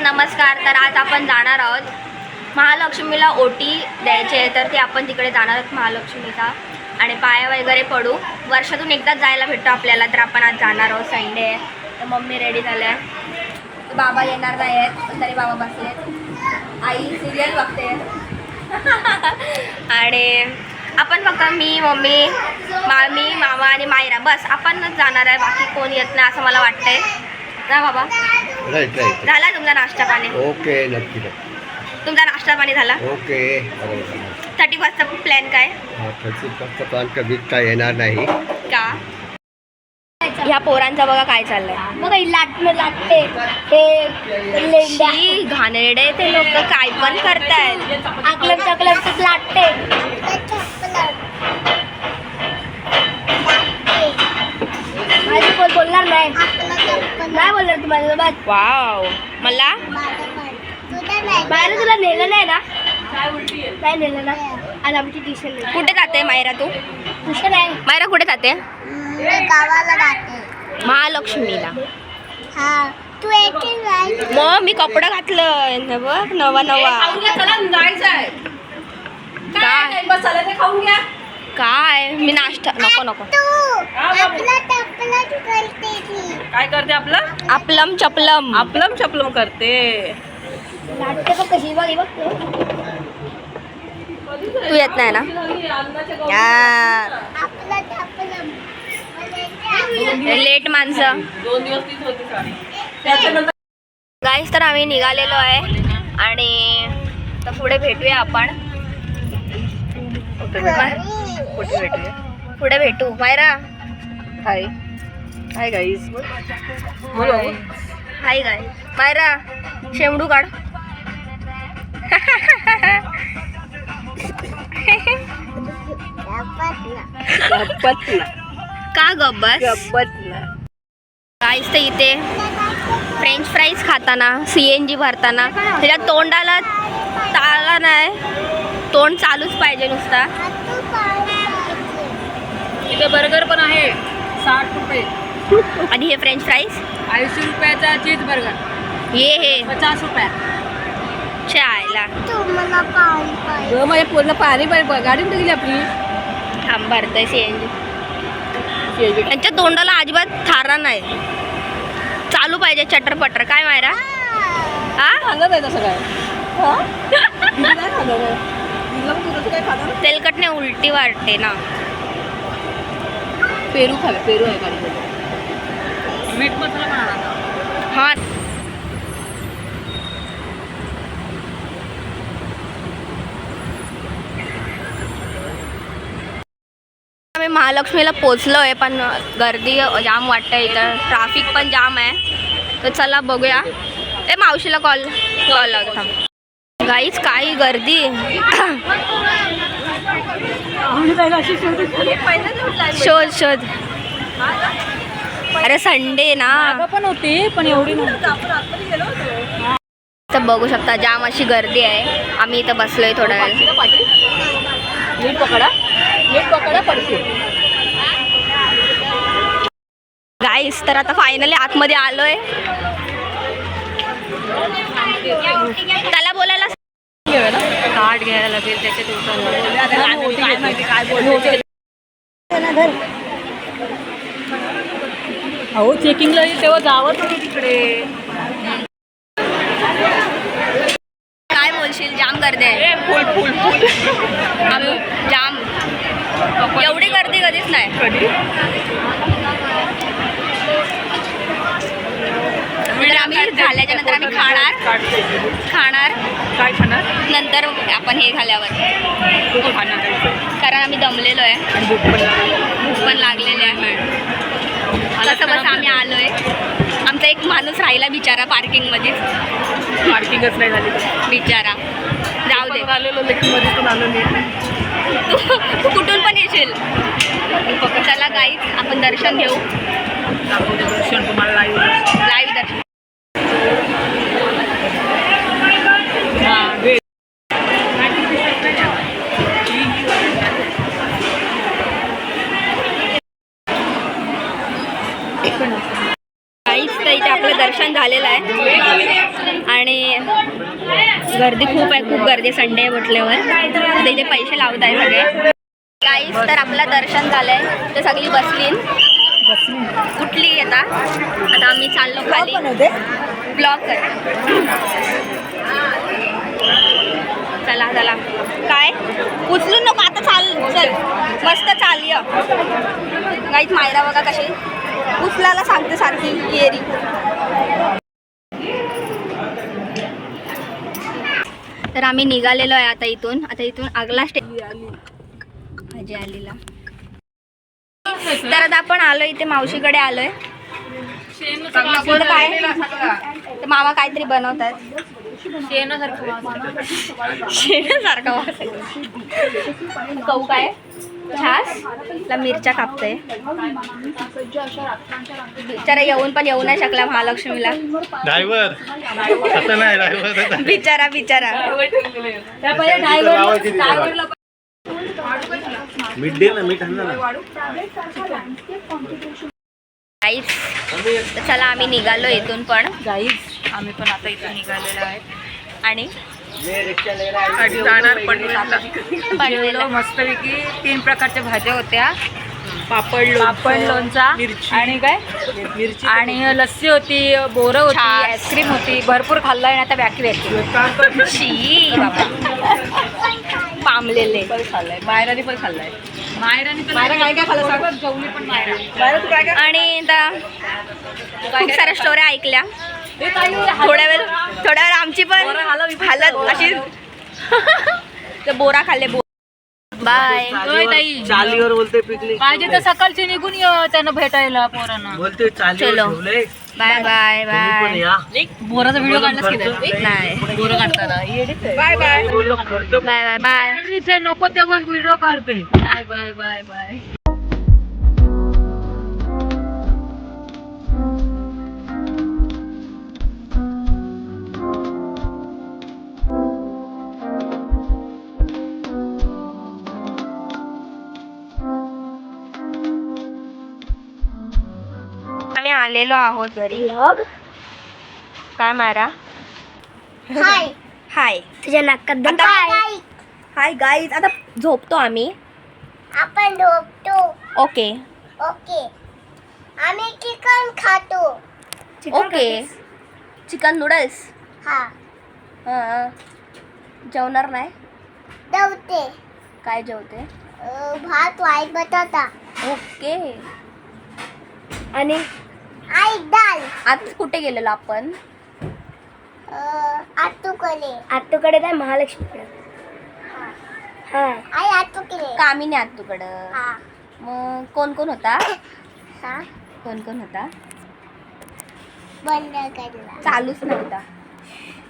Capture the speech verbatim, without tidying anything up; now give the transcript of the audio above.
नमस्कार. तर आज आपण जाणार आहोत महालक्ष्मीला ओटी द्यायची आहे, तर ते आपण तिकडे जाणार आहोत महालक्ष्मीचा आणि पाया वगैरे पडू. वर्षातून एकदाच जायला भेटतो आपल्याला, तर आपण आज जाणार आहोत. संडे आहे तर मम्मी रेडी झाले आहे. बाबा येणार नाही आहेत पण तरी बाबा बसले. आई सिरियल बघते आणि आपण फक्त मी मम्मी मामी मामा आणि मायरा बस आपणच जाणार आहे. बाकी कोण येत नाही असं मला वाटतंय ना बाबा. राईट राईट झाला तुमचा नाश्ता पाणी? ओके नक्की तुमचा नाश्ता पाणी झाला? ओके. थर्टी फर्स्टचा प्लॅन काय? थर्टी फर्स्टचा प्लॅन कधीच काय येणार नाही का? ह्या पोरांचा बघा काय चाललंय. बघा लाटणं लाटते हे लेंड्या शी, घाणेरडे ते लोक काय पण करतायत. आकलर चकलर लाटते. माझी कोण बोलणार नाही नाही बोलणार तू माझ्यासोबत. वाव. मला बाहेर तुला नेलं नाही ना? नाही नेलं ना. आज आमची ट्युशन नाही. कुठे जाते मायरा तू? ट्युशन आहे. मायरा कुठे जाते? गावाला जाते महालक्ष्मीला. हा तू येते नाही. मग मी कपडा घातलंय न बघ नवा नवा. काय काय मी नाश्ता नको नको. काय करते आपलं? आपलम चपलम आपलम चपलम करते. लाटते बघ कशी बघ बघ. तू येत नाही ना यार. लेट माणसं. दोन दिवस तीच होती साडी. त्याच्यानंतर गाईस तर आम्ही निघालेलो आहे आणि तर पुढे भेटूया आपण. कुठे भेटूया? पुढे भेटू. मायरा हाय हाय गाईस. बोलो हाय गाय. मायरा शेमडू काढ. गप्पतला का गब्बस? गप्पतला. गाईस तर इथे फ्रेंच फ्राईज खाताना सी एन जी भरताना त्याच्या तोंडाला ताला नाही, तोंड चालूच पाहिजे नुसता. इथे बर्गर पण आहे साठ रुपये आणि हे फ्रेंच फ्राईज ऐंशी रुपयाचा चीज बर्गर ये हे पचास रुपया. चायला तुम्हाला पाणी पाहिजे. माझ्या पूर्ण पाणी पाहिजे. गाडी कुठे गेली आपली? थांब भरतंय सी एन जी. त्यांच्या तोंडाला अजिबात थारा नाही, चालू पाहिजे चटरपटर. काय मायरा? हा सांगत आहे तसं काय? काय सांगत आहे? काय खाणार? तेलकटने उलटी वाटते ना. पेरू खावे. पेरू आहे गाडीमध्ये. मीठ मसाला पण आणा. हा आम्ही महालक्ष्मीला पोचलो आहे पण गर्दी जाम वाटतं इथं. ट्राफिक पण जाम आहे. तर चला बघूया. ए मावशीला कॉल कॉल लावतो थांब. गाईच काही गर्दी. शोध शोध. अरे संडे ना. पण होती पण एवढी तर बघू शकता जाम अशी गर्दी आहे. आम्ही इथं बसलोय थोडा वेळ. नीट पकडा नीट पकडा पडशील. गाईस तर आता फायनली आतमध्ये आलोय. त्याला बोलायला कार्ड घ्यायला लागेल त्याच्यात. अहो चेकिंगला तेव्हा जावं तुम्ही तिकडे. काय बोलशील? जाम गर्दी आहे. फुल फुल फुल आम्ही जाम. एवढी गर्दी कधीच नाही. कधी नंतर आम्ही झाल्याच्या नंतर आम्ही खाणार खाणार काय खाणार? नंतर आपण हे झाल्यावर कारण आम्ही दमलेलो आहे. आणि भूक पण लागली. भूक पण लागलेली आहे. कसं बस आम्ही आलोय. आमचा एक माणूस राहिला बिचारा पार्किंगमध्येच. पार्किंगच नाही झाली बिचारा. जाऊ दे. आलेलो लेकिन मध्ये पण आलो नाही. तू तू कुठून पण येशील. चला गाईज आपण दर्शन घेऊ. दर्शन तुम्हाला लाईव्ह लाईव्ह दर्शन. गाईज तर इथे आपलं दर्शन झालेलं आहे आणि गर्दी खूप आहे, खूप गर्दी संडे म्हटल्यावर. आता इथे पैसे लावत आहे सगळे. काहीच तर आपलं दर्शन झालंय, तर सगळी बसली कुठली आता. आता आम्ही चाललो खाली ब्लॉक कर. चला चला काय उचलून नको आता. चाल चल मस्त चालय. काहीच मायरा बघा कशी उचलायला सांगते सारखी येरी. तर आम्ही निघालेलो आहे आता इथून. आता इथून आगला स्टे भाजी आलेला. तर आता आपण आलोय इथे मावशीकडे आलोय. काय तर मामा काहीतरी बनवतात. शेणासारखा वास. कहू काय छास ला मिरच्या कापतोय. बिचारा येऊन पण येऊ नाही शकला महालक्ष्मीला. ड्रायव्हर असं नाही ड्रायव्हर बिचारा बिचारा. मीठ दे ना, मीठ आणलं ना. गाईज चला आम्ही निघालो इथून पण. गाईज आम्ही पण आता इथे निघालेलो आहे आणि जाणार पनवेलला. जेवलो मस्तपैकी. तीन प्रकारच्या भाज्या होत्या. पापड पापड लोणचा आणि काय मिरची आणि लस्सी होती, बोरं होती, छास. आईस्क्रीम होती. भरपूर खाल्लं आणि आता बॅकी बॅकी शी बाबा पामलेले. खाल्लाय. मायराने पण खाल्लाय. मायराने पण मायरा काय काय खाल्लं सांग. जेवली पण मायरा. मायरा तू काय काय. आणि आता खूप साऱ्या स्टोऱ्या ऐकल्या. थोड्या वेळ थोड्या वेळ आमची पण हालत अशी. ते बोरा खाल्ले. बो बाय चालीवर बोलते पिकनिक पाहिजे तर सकाळची निघून ये त्यांना भेटायला पोरांना. बोलते चालीवर चलो. ठेवलंय. बाय बाय तुम्ही पण बाय. या. बोराचा व्हिडिओ काढलास की नाही? नाही बोरं काढताना bye bye. Bye bye bye. इथे नको तेव्हा व्हिडिओ काढते. Bye bye bye bye. आम्ही आलेलो आहोत घरी. काय मारा. हाय हाय तुझ्या नाकात दम. आता- हाय गाईज. आता झोपतो आम्ही. आपण झोपतो. Okay okay. आम्ही चिकन खातो. ओके. Chicken noodles. हा हां जेवणार नाही. दवते. काय जेवते. भात वाईट बटाटा ओके. आणि आई डाल. आज कुठे गेलेलो आपण. आतूकडे. आतूकडे काय महालक्ष्मीकडे. हा आई आतूकडे. कामिनी आत तुकडं. हा मग कोण कोण होता. हा कोण कोण होता. बंद केला. चालूच नव्हता.